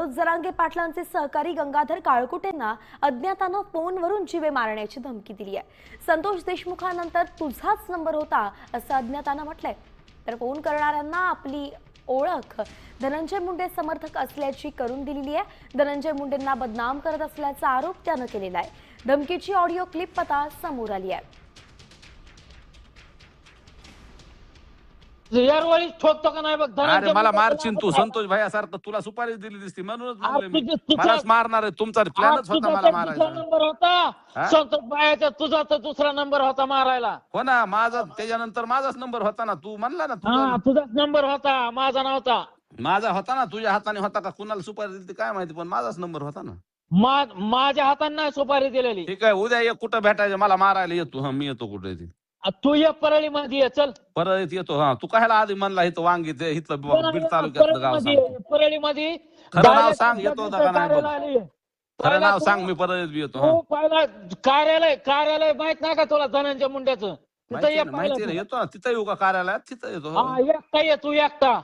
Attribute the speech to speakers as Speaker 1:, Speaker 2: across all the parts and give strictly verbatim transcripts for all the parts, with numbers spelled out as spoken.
Speaker 1: मनोज जरांगे पाटलांचे सहकारी गंगाधर काळकुटेंना अज्ञातानं फोनवरून जीवे मारण्याची धमकी दिली आहे। संतोष देशमुखानंतर तुझाच नंबर होता असं अज्ञातानं म्हटलंय। तर फोन करणाऱ्यांना आपली ओळख धनंजय मुंडे समर्थक असल्याची करून दिलेली आहे। धनंजय मुंडेंना बदनाम करत असल्याचा आरोप त्यानं केलेला आहे। धमकीची ऑडिओ क्लिप आता समोर आली आहे।
Speaker 2: यारवाळी ठोकतो का नाही बघ।
Speaker 3: अरे मला मारशील तू संतोष भाई सारखं तुला सुपारी दिली दिसती म्हणूनच म्हणले मी
Speaker 2: तुझा-
Speaker 3: मलाच मारणार आहे। तुमचा प्लॅनच होता मला मारायचा।
Speaker 2: नंबर होता संतोष भाईचा, तुझा तर दुसरा नंबर होता मारायला।
Speaker 3: हो ना, माझा त्याच्यानंतर माझाच नंबर होता ना। तू म्हणला ना तुझा
Speaker 2: हा तुझाच नंबर होता, माझा नव्हता।
Speaker 3: माझा होता ना, तुझ्या हाताने होता का कुणाला सुपारी दिली काय माहिती, पण माझाच नंबर होता ना।
Speaker 2: मा- माझ्या हाताने नाही सुपारी दिलेली।
Speaker 3: ठीक आहे, उद्या एक कुठं भेटायचं मला मारायला येतो। हा मी येतो कुठे ती
Speaker 2: आ, तू ये परळी मध्ये ये, चल
Speaker 3: परत येतो। हा तू कायला आधी म्हणला इथं वांगी ते इथलं बीड तालुक्यातलं गाव सांग।
Speaker 2: परळी मध्ये
Speaker 3: खरं नाव सांग, येतो का नाही बघ।
Speaker 2: कार्यालय
Speaker 3: खरं नाव सांग, मी परत बी येतो। हा
Speaker 2: तू पहिला कार्यालय कार्यालय माहित नाही का तुला धनंजय मुंड्याचं? तिथं
Speaker 3: माहिती
Speaker 2: ये
Speaker 3: आहे ना, माहिती आहे ना,
Speaker 2: पहिला
Speaker 3: येतो ना तिथं येऊ का कार्यालयात, तिथं येतो।
Speaker 2: तू. हा एकटा ये तू एकटा।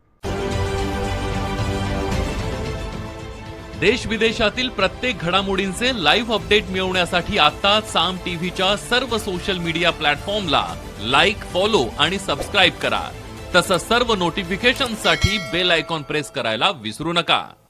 Speaker 4: देश विदेशातील प्रत्येक घडामोडींचे लाईव्ह अपडेट मिळवण्यासाठी आता साम टीव्हीच्या सर्व सोशल मीडिया प्लॅटफॉर्मला लाईक, फॉलो आणि सबस्क्राईब करा। तसंच सर्व नोटिफिकेशनसाठी बेल आयकॉन प्रेस करायला विसरू नका।